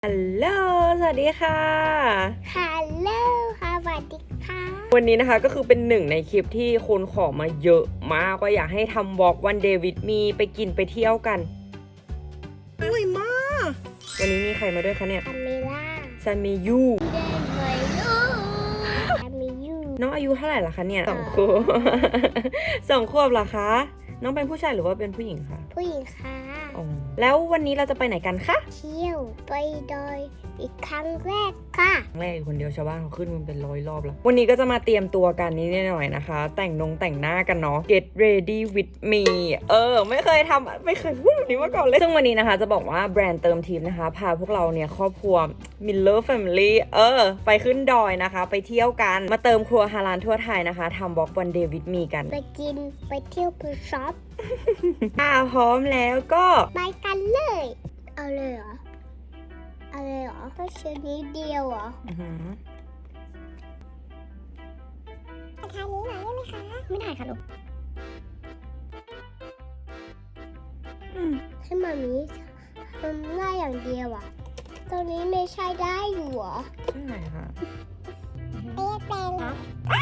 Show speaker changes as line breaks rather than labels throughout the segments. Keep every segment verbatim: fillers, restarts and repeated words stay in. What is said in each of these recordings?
ฮัลโหลสวัสดีค่ะ
ฮัลโหลค่ะสวัสดีค่ะ
วันนี้นะคะก็คือเป็นหนึ่งในคลิปที่คนขอมาเยอะมากว่าอยากให้ทำวอล์กวันเดย์วิดมีไปกินไปเที่ยวกันอร่อยมากวันนี้มีใครมาด้วยคะเนี่ย
ซามิล่า
ซามิยู
เดินไปลูกซามิยู
น้องอายุเท่าไหร่ล่ะคะเนี่ยสองขวบ สองขวบเหรอคะน้องเป็นผู้ชายหรือว่าเป็นผู้หญิงคะ
ผู้หญิงค่ะ
อ๋อแล้ววันนี้เราจะไปไหนกันคะ
เที่ยวไปดอยอีกครั้งแรกค่ะ
ครั้งแรกอยู่คนเดียวชาวบ้านเขาขึ้นมันเป็นร้อยรอบแล้ววันนี้ก็จะมาเตรียมตัวกันนิดหน่อยนะคะแต่งนงแต่งหน้ากันเนาะ get ready with me เออไม่เคยทำไม่เคยพูดแบบนี้มาก่อนเลยซึ่งวันนี้นะคะจะบอกว่าแบรนด์เติมทีมนะคะพาพวกเราเนี่ยครอบครัว Miller Family เออไปขึ้นดอยนะคะไปเที่ยวกันมาเติมครัวฮาลาลทั่วไทยนะคะทำบล็อกวันเดย์วิดมีกัน
ไปกินไปเที่ยวไปช็อป
อ่าพร้อมแล้วก็
ไปกันเลยเอาเลยเหรอเอาเลยเหรอก็ชิ้นนี้เดียวเหรอ
อื้อหือ
ทานนี้หน่อยได้ไหมคะไม่ได้ค่ะลูก
อืม
ให้มามีทำหน้าอย่างเดียวอ่ะตรงนี้ไม่ใช่ได้อยู่เหรอ
ใช่ค่ะ
เรียกเป็นเหรอ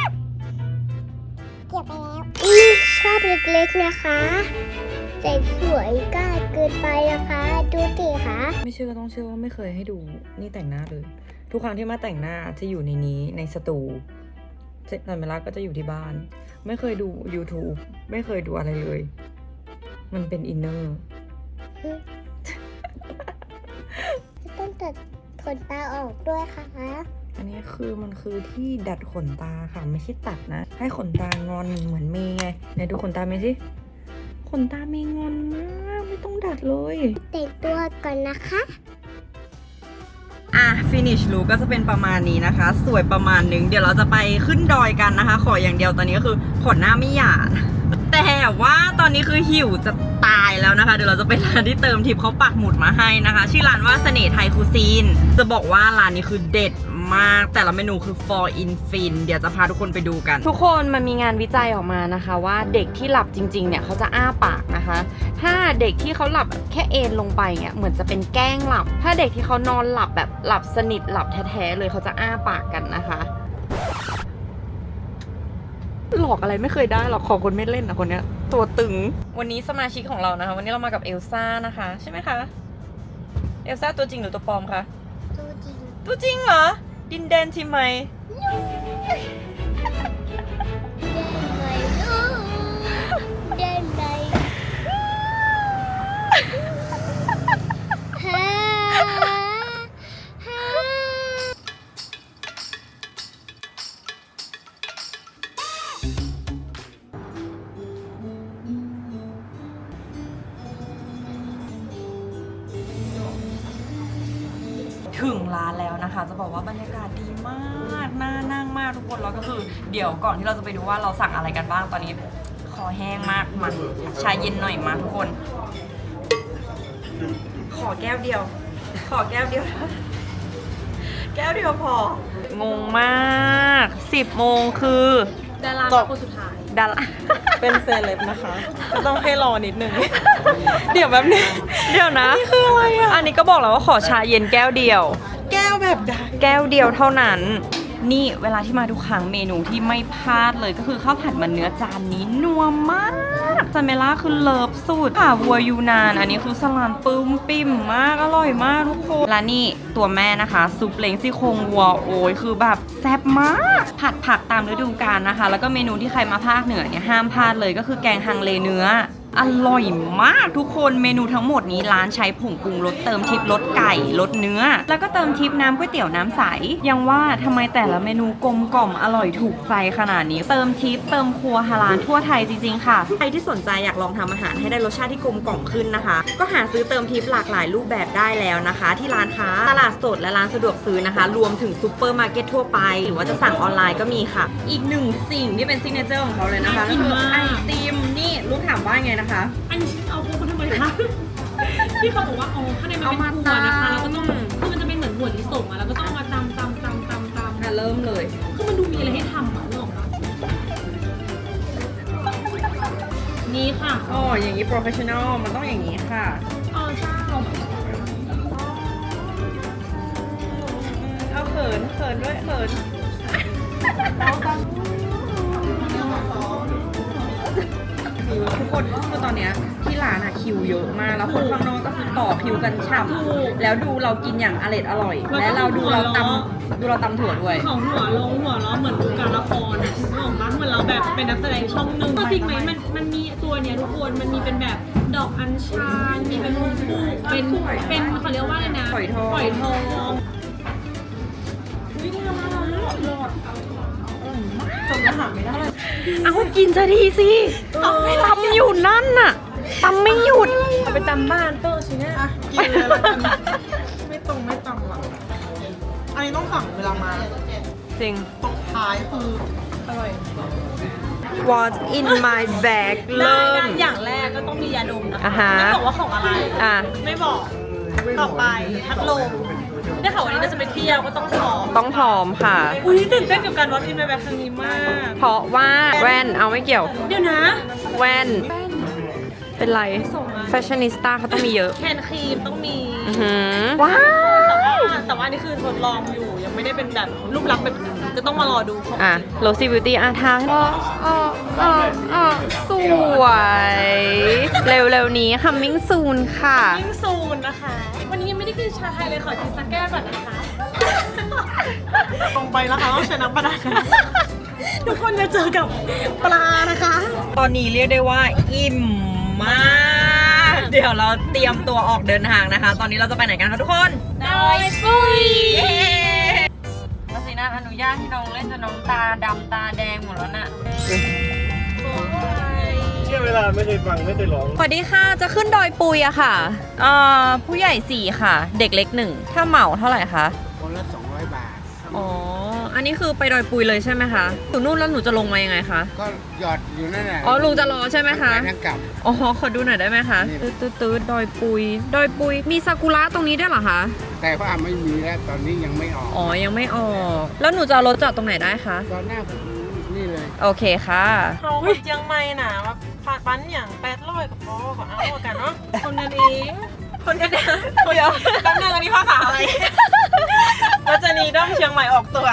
เก็บไปแล้วอือชอบเล็กๆนะคะแต่สวยกล้าเกินไปนะคะดูสิคะ
ไม่เชื่อก็ต้องเชื่อว่าไม่เคยให้ดูนี่แต่งหน้าเลยทุกครั้งที่มาแต่งหน้าจะอยู่ในนี้ในสตูแต่เวลาก็จะอยู่ที่บ้าน ไม่เคยดู YouTube ไม่เคยดูอะไรเลย มันเป็นอินเนอร์
ต้องตัดขนตาออกด้วยค่ะ
อันนี้คือมันคือที่ดัดขนตาค่ะไม่ใช่ตัดนะ ให้ขนตางอนเหมือนเมย์ไงไหนดูขนตาเมย์สิขนตาเมย์งอนมากไม่ต้องดัดเลย
แต่งตัวก่อนนะคะ
อ่ะ finish look ก็จะเป็นประมาณนี้นะคะ สวยประมาณนึงเดี๋ยวเราจะไปขึ้นดอยกันนะคะ ขออย่างเดียวตอนนี้ก็คือขนหน้าไม่หยาด แต่ว่าตอนนี้คือหิวจะตายแล้วนะคะ เดี๋ยวเราจะไปร้านที่เติมทิปเขาปักหมุดมาให้นะคะ ชื่อร้านว่าเสน่ห์ไทยคูซีนจะบอกว่าร้านนี้คือเด็ดมากแต่ละเมนูคือ for in fin เดี๋ยวจะพาทุกคนไปดูกัน ทุกคนมันมีงานวิจัยออกมานะคะว่าเด็กที่หลับจริงๆเนี่ยเขาจะอ้าปากนะคะถ้าเด็กที่เขาหลับแบบแค่เอนลงไปเนี่ยเหมือนจะเป็นแกล้งหลับถ้าเด็กที่เขานอนหลับแบบหลับสนิทหลับแท้ๆเลยเขาจะอ้าปากกันนะคะหลอกอะไรไม่เคยได้หรอกขอคนไม่เล่นนะคนเนี้ยตัวตึงวันนี้สมาชิกของเรานะคะวันนี้เรามากับเอลซ่านะคะใช่ไหมคะเอลซ่าตัวจริงหรือตัวปลอมคะ
ดูจริง
ตัวจริงเหรอดินแดนทีไหม
เดินไปฮ่าฮ่า
ถึงร้านแล้วนะคะจะบอกว่าบรรยากาศดีมากน่านั่งมากทุกคนแล้วก็คือเดี๋ยวก่อนที่เราจะไปดูว่าเราสั่งอะไรกันบ้างตอนนี้คอแห้งมากมาชาเย็นหน่อยมาทุกคน ขอแก้วเดียว ขอแก้วเดียว แก้วเดียวพองงมากสิบโมงคือดาราคนสุดท้ายดารา
เป็นเซเลบนะคะก็ต้องให้รอนิดนึง เดี๋ยวแบบนี้
เดี๋ยวนะ
นี่คืออะไรอ่ะ
อันนี้ก็บอกแล้วว่าขอชาเย็นแก้วเดียว
แก้วแบบใด
แก้วเดียวเท่านั้น นี่เวลาที่มาทุกครั้งเมนูที่ไม่พลาดเลยก็คือข้าวผัดมันเนื้อจานนี้นัวมากจาเมล่าคือเลิฟสุดค่ะวัวยูนานอันนี้คือสลัดปึ้มปิ่มมากอร่อยมากทุกคนและนี่ตัวแม่นะคะซุปเล้งซี่โครงวัวโอ้ยคือแบบแซ่บมากผัดผักตามฤดูกาลนะคะแล้วก็เมนูที่ใครมาภาคเหนือเนี่ยห้ามพลาดเลยก็คือแกงฮังเลเนื้ออร่อยมากทุกคนเมนูทั้งหมดนี้ร้านใช้ผงปรุงรสเติมทิปรสไก่รสเนื้อแล้วก็เติมทิปน้ำก๋วยเตี๋ยวน้ำใสยังว่าทำไมแต่ละเมนูกลมกล่อมอร่อยถูกใจขนาดนี้เติมทิปเติมครัวฮาลาลทั่วไทยจริงๆค่ะใครที่สนใจอยากลองทำอาหารให้ได้รสชาติที่กลมกล่อมขึ้นนะคะก็หาซื้อเติมทิปหลากหลายรูปแบบได้แล้วนะคะ ที่ร้านค้าตลาดสดและร้านสะดวกซื้อนะคะรวมถึงซูเปอร์มาร์เก็ตทั่วไปหรือว่าจะสั่งออนไลน์ก็มีค่ะอีกหนึ่งสิ่งที่เป็นซิกเนเจอร์ของเขาเลยนะคะก็คือไอติมนี่ลูกถามว่าไงนะคะ
อันนี้เอาพวกมาทำไมคะ ที่เขาบอกว่าอ๋อข้างในมันเป็นถั่วนะคะแล้วก็ต้องคือมันจะเป็นเหมือนถั่วลิสงอะแล้วก็ต้องเอามาตำตำตำตำตำ
อ่ะเริ่มเลย
คือมันดูมีอะไรให้ทำอ่ะนึกออกปะนี่ค่ะ
อ๋ออย่างนี้ professional มันต้องอย่างนี้ค่ะ
อ๋อเจ้า
ขินเขินด้วยเขินทุกคนคือตอนเนี้ยที่ร้านอะคิวเยอะมากแล้วคนข้างนอกก็คือต่อคิวกันฉ่ำแล้วดูเรากินอย่างอร่อยอร่อย และเราดูเราตำดูเราตำถั่วด้วย
ของหัวลงหัวล้อเหมือนดูการละครอ่ะนึกออกปะเหมือนเราแบบเป็นนักแสดงช่องหนึ่งก็จริงไหมมันมันมีตัวเนี้ยทุกคนมันมีเป็นแบบดอกอัญชันมีเป็นลูกเป็นเป็นเขาเรียกว่าอะไรนะ
ฝอยทอง
ฝอยทองวิธีทำอะไรหลอดจบแล้วหาไม่ได้
เอากินซะดีสิตำอยู่นั่นน่ะตำไม่หยุดเอาไปตำบ้านเตอร์สิเนี่ย
อ่ะกินเลยแล้วกันไม่ตรงไม่ต่ำหรอกอันนี้ต้องสั่งเวลามา
จริง
ตกท้ายคืออร่อย
What's in my bag เริ่ม
อย่างแรกก็ต้องมียาดมนะคะ
อ่าฮะ
ไม่บอกว่าของอะไร
อ่ะ
ไม่บอกต่อไปพัดลมได้ข่าววันนี้เราจะไปเที่ยวก็ต้องพร้อม
ต้องพร้ออมค่ะ
อุ้ยตื่นเต้นกับการวัดอินไปแบบครั้งนี้มาก
เพราะว่าแว่นเอาไม่เกี่ยว
เดี๋ยวนะ
แว่น เป็นไรแฟชั่นนิสต้าเขาต้องมีเยอะ
แคนครีมต้องมี
อือหือว้า
แต่ว่าว แต่ว่าอันนี่คือทดลองอยู่ยังไม่ได้เป็นแบบรูปลักษณ์แบบจะต้องมารอดูของ
อ่ะโรซี่บิวตี้อ่ะทางอ๋ออ๋ออ๋ออ๋อสวย เร็วๆนี้ coming soon ค่ะ
ยิ่งซูนนะคะ วันนี้ยังไม่ได้กินชาไทยเลยขอกินสักแก้วก่อนนะคะ
ตรงไปแล้วค่ะต้องใช้น้ำปลาร้า
ทุกคนจะเจอกับปลานะคะ
ตอนนี้เรียกได้ว่าอิ่มมาก เดี๋ยวเราเตรียมตัวออกเดินทางนะคะ ตอนนี้เราจะไปไหนกันคะทุกคน
ดอยปุ้ย
มาสินะอนุญาตที่น้องเล่นจนน้องตาดำตาแดงหมดแล้วน่ะ
เชื่อเวลาไม่เคยฟังไม่เคยร้อง
สวัสดีค่ะ จะขึ้นดอยปุยอะค่ะเอ่อผู้ใหญ่สี่ค่ะ เด็กเล็กหนึ่ง ถ้าเหมาเท่าไหร่คะ
คนละสองร้อยบาท
อ๋อ อันนี้คือไปดอยปุยเลยใช่ไหมคะอยู่นู่นแล้วหนูจะลงมายังไงคะ
ก็หยอดอยู่นั่นแหละ
อ๋อ ลุงจะรอใช่ไหมคะ
ไปทั้งกลับ
อ๋อ ขอดูหน่อยได้ไหมคะ
นี่
ตืดตืดตืดดอยปุย ดอยปุย มีซากุระตรงนี้ด้วยเหรอคะ
แต่ว่าไม่มีแล้วตอนนี้ยังไม่ออก
อ๋อ ยังไม่ออก แล้วหนูจะเอารถจอดตรงไหนได้คะ
ตอนหน้าผมนี่เลย
โอเคค่ะ
เขาคนเจียงใหม่น่ะว่าผ่านปั้นอย่างแปดร้อยกับพ่อก็เอากันเนาะ
คนกันเอง
คนกันเองคนเดียวแป๊บนึงอันนี้ภาษาอะไรรัชนีด้อมเชียงใหม่ออกตัว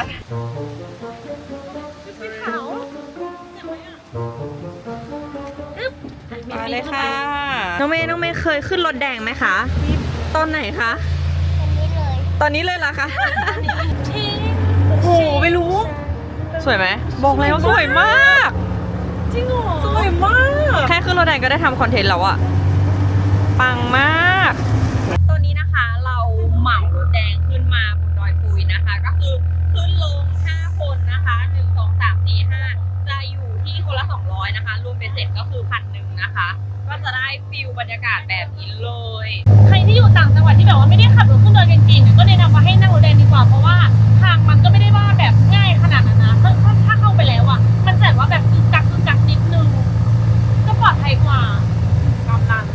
มาเลยค่ะ น้องเมย์น้องเมย์เคยขึ้นรถแดงไหมคะตอนไหนคะ
อันนี้เลย
ตอนนี้เลยล่ะคะโอ้โหไม่รู้ สวยไหม บอกแล้วสวยมาก
จริงเหรอ
สวยมาก แค่ขึ้นรถแดงก็ได้ทำคอนเทนต์แล้วอะปังมากตอนนี้นะคะเราเหมารถแดงขึ้นมาบนดอยปุยนะคะ ก็คือขึ้นลงห้าคนนะคะหนึ่ง สอง สาม สี่ ห้าจะอยู่ที่คนละสองร้อยนะคะ รวมเป็นเสร็จก็คือพันหนึ่งนะคะ ก็จะได้ฟิลบรรยากาศแบบนี้เลย
ใครที่อยู่ต่างจังหวัดที่แบบว่าไม่ได้ขับรถขึ้นดอยกันจริงๆก็แนะนำว่าให้นั่งรถแดงดีกว่าเพราะว่าทางมันก็ไม่ได้ว่าแบบง่ายขนาดนั้นนะถ้าถ้าถ้าเข้าไปแล้วอ่ะมันจะแบบว่าแบบกึกกักกึกกักนิดนึงก็ปลอดภัยกว่าตามนั้น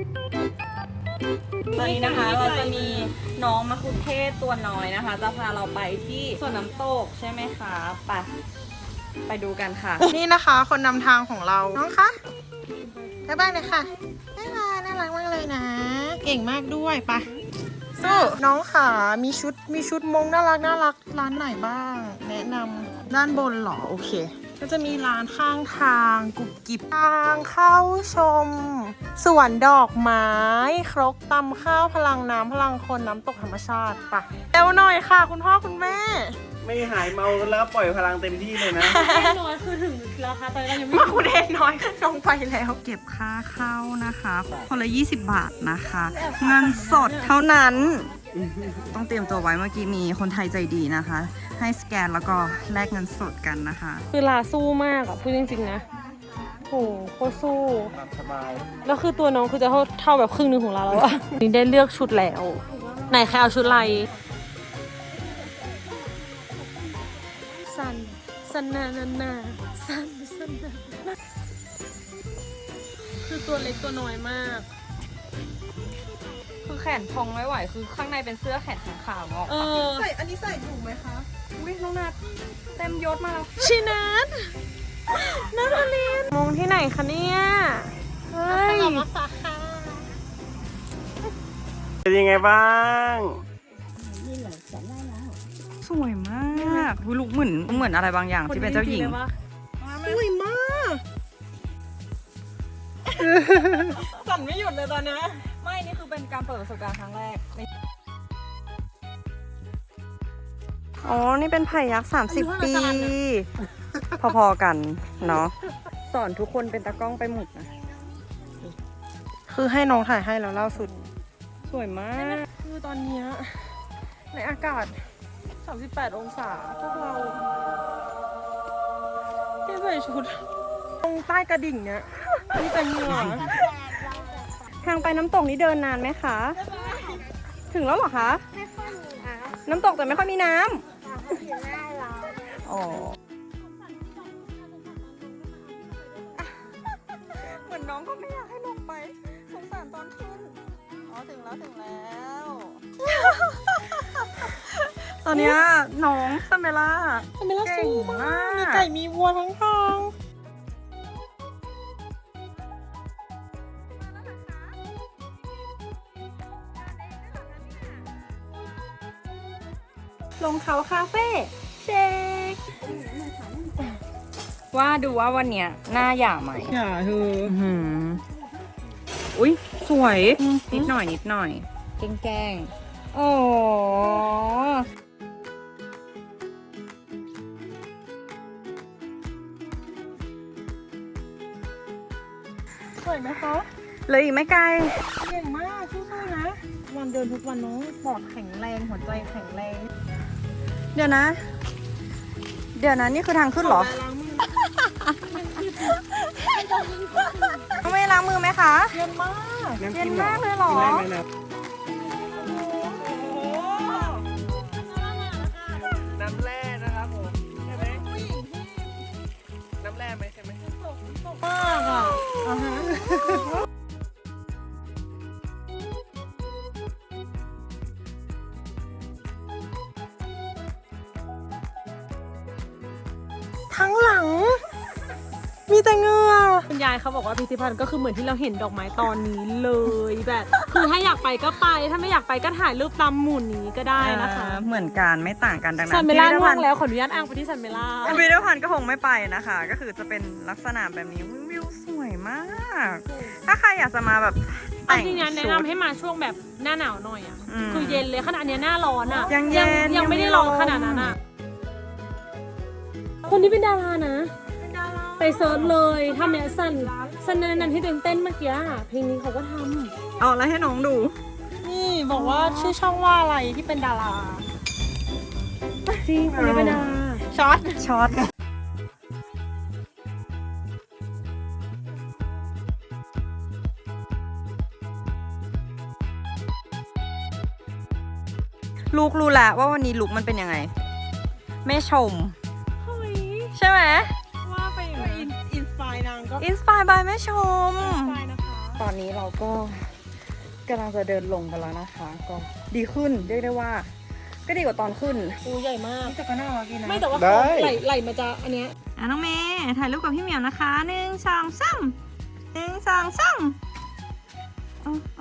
ตอนนี้นะคะเราจะมีน้องมะคุเทศตัวน้อยนะคะ จะพาเราไปที่สวนน้ำตกใช่ไหมคะไปไปดูกันค่ะ
นี่นะคะ คนนำทางของเรา น้องคะบ๊ายบายเลยค่ะบ๊ายบายน่ารักมากเลยนะ เก่งมากด้วยไปสู้น้องขามีชุดมีชุดมงน่ารักน่ารักร้านไหนบ้าง แนะนำด้านบนเหรอโอเค ก็จะมีร้านข้างทางกุบกิบทางเข้าชมสวนดอกไม้ครกตำข้าวพลังน้ำพลังคนน้ำตกธรรมชาติไปเร็วหน่อยค่ะ คุณพ่อคุณแม่
ไม่หายเมากันแล้วปล่อยพลังเต็มที่เลยนะ
น้อยคือถึงแล้วค่ะตอนนี้เรายังไม่
มาคุณเองน้อยลงไปแล้ว
เก็บค่าเข้านะคะคนละยี่สิบบาทนะคะเงินสดเท่านั้น ต้องเตรียมตัวไว้เมื่อกี้มีคนไทยใจดีนะคะ ให้สแกนแล้วก็แลกเงินสดกันนะคะ
คือลาสู้มากอ่ะพูดจริงๆนะโหโคตรสู้
สบาย
แล้วคือตัวน้องคือจะเท่าเท่าแบบครึ่งหนึงของเราแล้วอะ นี่ได้เลือกชุดแล้ว ไหนใครเอาชุดอะไรสันสันนานานาสันสันนานาคือตัวเล็กตัวน้อยมาก
คือแขนพองไม่ไหวคือข้างในเป็นเสื้อแขนขาวๆออก
เออ
ใส่อันนี้ใส่ถูกไหมคะ
อุ้ยน้องนัดเต็มยศมาแล้ว
ชินัทนัทลินมงที่ไหนคะเนี่ยเฮ้ย
เป็นยังไงบ้าง
สวยมากอุ๊ยลุกเหมือนเหมือนอะไรบางอย่างที่เป็นเจ้าหญิง
สวยมากสั่นไม่หยุดเลยตอนนี้
ไม่ นี่คือเป็นการเปิดประสบการณ์ครั้งแรก อ๋อ นี่เป็นไผ่ยักษ์สามสิบปี พอๆกันเนาะ สอนทุกคนเป็นตากล้องไปหมดนะ
คือให้น้องถ่ายให้แล้วล่าสุด
สวยมาก
คือตอนเนี้ยในอากาศ สามสิบแปด องศา พวกเราที่ใส่ชุด ตรงใต้กระดิ่งเนี้ยมีแต่เหงื่อ
ทางไปน้ำตกนี้เดินนานไหมคะ ถึงแล้วเหรอคะ
ไม่ค่อยมีน้
น้ำตกแต่ไม่ค่อยมีน้
ำอยู่หน้าเรา
ำอ๋อ เหมือนน้องก็ไม่อยากให้ลงไป สงสารตอนขึ้น อ๋อ ถึงแล้วถึงแล้ว ตอนเนี้ยน้องซัมเบล่า
ทำไมล่ะ
เก่
สู้
ง
มาม
าก ก
มีไก่มีวัวทั้งทาง
ลงเขาคาเฟ่เชคว่าดูว่าวันเนี้ยหน้าหย่าไหม
อย่าเธอ
อื้อหืออุ้ยสวย นิดหน่อยนิดหน่อย แกล้งแกล้งโอ้
สวยไหมคะ
เลยอีกไม่ไกล
เก่งมากสู้ๆนะ วันเดินทุกวันน้องปอดแข็งแรงหัวใจแข็งแรง
เดี๋ยวนะ เดี๋ยวนะนี่คือทางขึ้นเหรอ
ล้างมือ
ต้องไม่ล้างมือไหมคะ
เย็นมาก
เย็นมากเลยเหรอ
กินได้ไหมนะน้ำแร่นะครับผมใช่ไหมน้ำแร่ไหมใช่ไหม
มากอ่ะอ่าฮะ ทั้งหลัง มีแต่เหงือ
คุณยายเขาบอกว่าพิพิธภัณฑ์ก็คือเหมือนที่เราเห็นดอกไม้ตอนนี้เลยแบบ คือถ้าอยากไปก็ไป ถ้าไม่อยากไปก็ถ่ายรูปตามหมุนนี้ก็ได้นะคะ
อ่าเหมือนกันไม่ต่างกันดังนั้น
ซันเมล่า
พิพิธ
ง่ว
ภั
ง
ณฑ์
แล้วขออนุญาตอ้างไปที่ซันเมล่า
พิพิธภัณฑ์ก็คงไม่ไปนะคะ ก็คือจะเป็นลักษณะแบบนี้วิวสวยมาก ถ้าใครอยากจะมาแบบ
เอา
แต่ง
จริงๆแนะ
ชุด
นำให้มาช่วงแบบหน้าหนาวหน่อยอ่ะ
อืม
คือเย็นเลยขนาดเนี้ยหน้าร้อนอ่ะ
ยังเย็น
ยังไม่ได้
ยังไม่
ร้อน
ร้อน
ขนาดนั้นอ่ะ คนที่เป็นดารานะ ไปเซิร์ชเลยทำเนี่ยสันสันนันที่เต้นเต้นเมื่อกี้อะเพลงนี้เขาก็ท
เอาแล้วให้น้องดู
นี่บอกว่าชื่อช่องว่าอะไรที่เป็นดารา
ำจริงคนนี้เป็นดารา
ช็อต
ช็อต ลูกรู้แล้วว่าวันนี้ลุกมันเป็นยังไง แม่ชม
เฮ้ย
ใช่ไหม
ว่าไปอย่างนั้นอินสปายนางก็
อินสปายบายแม่ชม
อินสปายนะคะ
ตอนนี้เราก็กำลังจะเดินลงกันแล้วนะคะ ก็ดีขึ้นเรียกได้ว่า ก็ดีกว่าตอนขึ้น
อูใหญ่มาก
แต่ก็น่ารักดีนะ
ไม่แต่ว่า
ได้
เขาไหลไหลมาจะอันเนี้ย
อ่ะน้องเมย์ถ่ายรูปกับพี่เหมียวนะคะหนึ่งสองสามหนึ่งสองสามเอาเอา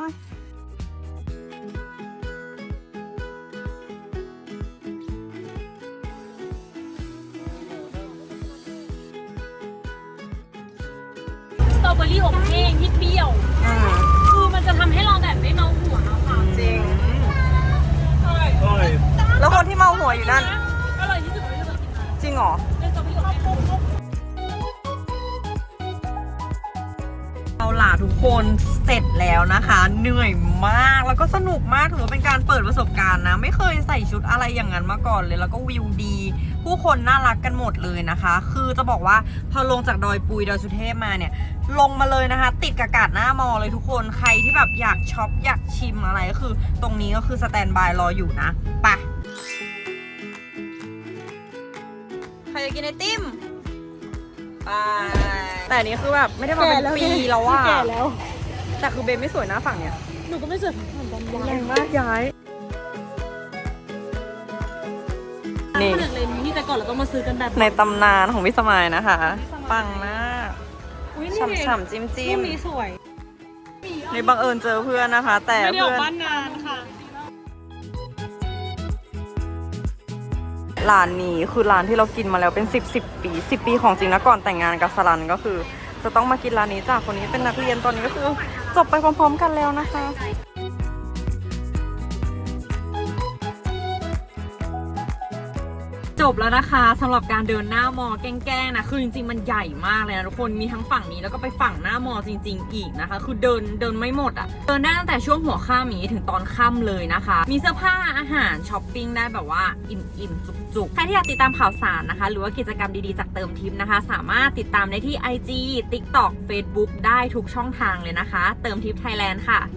สตรอเบอรี่อบแห้งที่เปรี้ยว
อ่า
คือมันจะทำให้เราแบบไม่เมาหัวนะคะ
จริง
อร่อย
อร่อย
แล้วคนที่เมาหัวอยู่นั่น
อร่อยที่สุดที่เรากินมา
จริงเหรอ
เป็นสตรอเบอรี่อบแห้ง
เอาล่ะทุกคนเสร็จแล้วนะคะ เหนื่อยมากแล้วก็สนุกมากถือว่าเป็นการเปิดประสบการณ์นะ ไม่เคยใส่ชุดอะไรอย่างนั้นมาก่อนเลย แล้วก็วิวดี ผู้คนน่ารักกันหมดเลยนะคะ คือจะบอกว่าพอลงจากดอยปุยดอยสุเทพมาเนี่ย ลงมาเลยนะคะ ติดกับกาดหน้ามอเลยทุกคนใครที่แบบอยากช็อปอยากชิมอะไรก็คือ ตรงนี้ก็คือสแตนบายรออยู่นะไปใครจะกินไอติมไปแต่อันนี้คือแบบไม่ได้มาเป็นปีแล้วอะ
แก่แล้ว
แต่คือเบนไม่สวยนะฝั่งเนี้ย
หนูก็ไม่เสือกผ่านตอนย้าย
แรงมากย้าย นี่
นี่เลนส์ที่แต่ก่อนเราต้องมาซื้อกันแบบ
ในตำนานของพี่สมัยนะคะ ปังมาก
อุ๊ยนี่
ฉ่ำๆจิ้มจิ้
รู
ม
ปนี้สวย
ในบังเอิญเจอเพื่อนนะคะ แต่
ไม่ได้อ
เพื่
อก
อน
บ้านนานค่ะ
ร้านนี้คือร้านที่เรากินมาแล้วเป็นสิบสิบปีสิบปีของจริงนะก่อนแต่งงานกับสลันก็คือ จะต้องมากินร้านนี้จ้ะคนนี้เป็นนักเรียนตอนนี้ก็คือจบไปพร้อมๆกันแล้วนะคะ จบแล้วนะคะสำหรับการเดินหน้ามอแกล้งๆนะคือจริงๆมันใหญ่มากเลยนะทุกคนมีทั้งฝั่งนี้แล้วก็ไปฝั่งหน้ามอจริงๆอีกนะคะคือเดินเดินไม่หมดอะ่ะเดินได้ตั้งแต่ช่วงหัวค่ำนี้ถึงตอนค่ำเลยนะคะมีเสื้อผ้าอาหารช้อปปิ้งได้แบบว่าอิ่มๆจุกๆใครที่อยากติดตามข่าวสารนะคะหรือว่ากิจกรรมดีๆจากเติมทิปนะคะสามารถติดตามได้ที่ ไอ จี ติ๊กต็อก เฟซบุ๊ก ได้ทุกช่องทางเลยนะคะเติมทิปไทยแลนด์ค่ะ